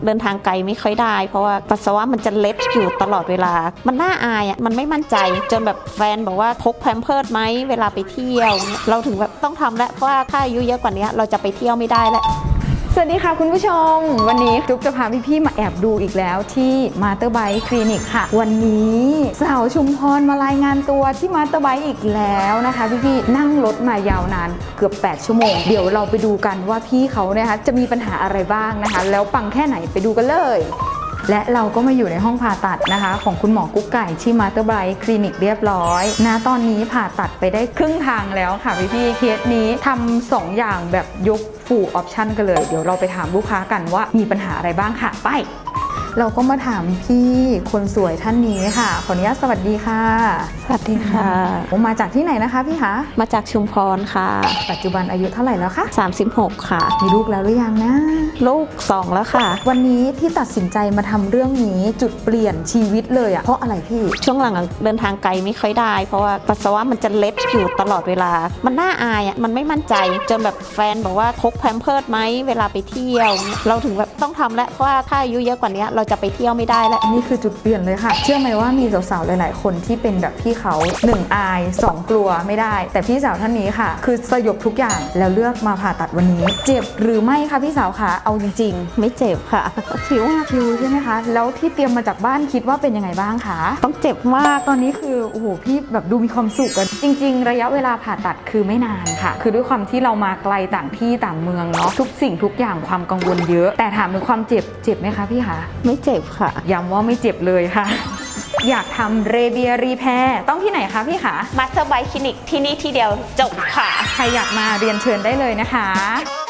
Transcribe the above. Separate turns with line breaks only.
เดินทางไกลไม่ค่อยได้เพราะว่าปัสสาวะมันจะเล็ดอยู่ตลอดเวลามันน่าอายมันไม่มั่นใจจนแบบแฟนบอกว่าพกแพมเพิร์สไหมเวลาไปเที่ยวเราถึงแบบต้องทำแล้วเพราะว่าถ้าอายุเยอะกว่านี้เราจะไปเที่ยวไม่ได้แล้ว
สวัสดีค่ะคุณผู้ชมวันนี้จุ๊บจะพาพี่ๆมาแอบดูอีกแล้วที่มาสเตอร์ไบค์คลินิกค่ะวันนี้สาวชุมพรมารายงานตัวที่มาสเตอร์ไบค์อีกแล้วนะคะพี่ๆนั่งรถมายาวนานเกือบ8 ชั่วโมงเดี๋ยวเราไปดูกันว่าพี่เขานะคะจะมีปัญหาอะไรบ้างนะคะแล้วปังแค่ไหนไปดูกันเลยและเราก็มาอยู่ในห้องผ่าตัดนะคะของคุณหมอกุ๊กไก่ที่มาสเตอร์ไบค์คลินิกเรียบร้อยนะตอนนี้ผ่าตัดไปได้ครึ่งทางแล้วค่ะพี่ๆเคสนี้ทำ2 อย่างแบบยกฟูลออปชั่นกันเลยเดี๋ยวเราไปถามลูกค้ากันว่ามีปัญหาอะไรบ้างค่ะไปเราก็มาถามพี่คนสวยท่านนี้ค่ะขออนุญาตสวัสดีค่ะ
สวัสดีค่ะ
มาจากที่ไหนนะคะพี่คะ
มาจากชุมพรค่ะ
ปัจจุบันอายุเท่าไหร่แล้วคะ
36ค่ะ
มีลูกแล้วหรือยังนะ
ลูก2แล้วค่ะ
วันนี้ที่ตัดสินใจมาทำเรื่องนี้จุดเปลี่ยนชีวิตเลยเพราะอะไรพี่
ช่วงหลังเดินทางไกลไม่ค่อยได้เพราะว่าปัสสาวะมันจะเล็ดอยู่ตลอดเวลามันน่าอายมันไม่มั่นใจจนแบบแฟนบอกว่าพกแพมเพิร์สไหมเวลาไปเที่ยวเราถึงแบบต้องทำแล้วเพราะว่าถ้าอายุเยอะกว่านี้เราจะไปเที่ยวไม่ได้แล้ว
นี่คือจุดเปลี่ยนเลยค่ะเชื่อไหมว่ามีสาวๆหลายๆคนที่เป็นแบบพี่เขา1อาย2กลัวไม่ได้แต่พี่สาวท่านนี้ค่ะคือสยบทุกอย่างแล้วเลือกมาผ่าตัดวันนี้เจ็บหรือไม่คะพี่สาวคะเอาจริง
ๆไม่เจ็บค่ะ
ชิวใช่ไหมคะแล้วที่เตรียมมาจากบ้านคิดว่าเป็นยังไงบ้างคะ
ต้องเจ็บมาก
ตอนนี้คือโอ้โหพี่แบบดูมีความสุขกันจริงๆระยะเวลาผ่าตัดคือไม่นานค่ะคือด้วยความที่เรามาไกลต่างที่ต่างเมืองเนาะทุกสิ่งทุกอย่างความกังวลเยอะแต่ถามถึงความเจ็บไหมคะพี่คะ
ไม่เจ็บค่ะ
ย้ำว่าไม่เจ็บเลยค่ะอยากทำเรเบียรีแพร์ต้องที่ไหนคะพี่คะ
มาสเตอร์ไบค์คลินิกที่นี่ที่เดียวจบค่ะ
ใครอยากมาเรียนเชิญได้เลยนะคะ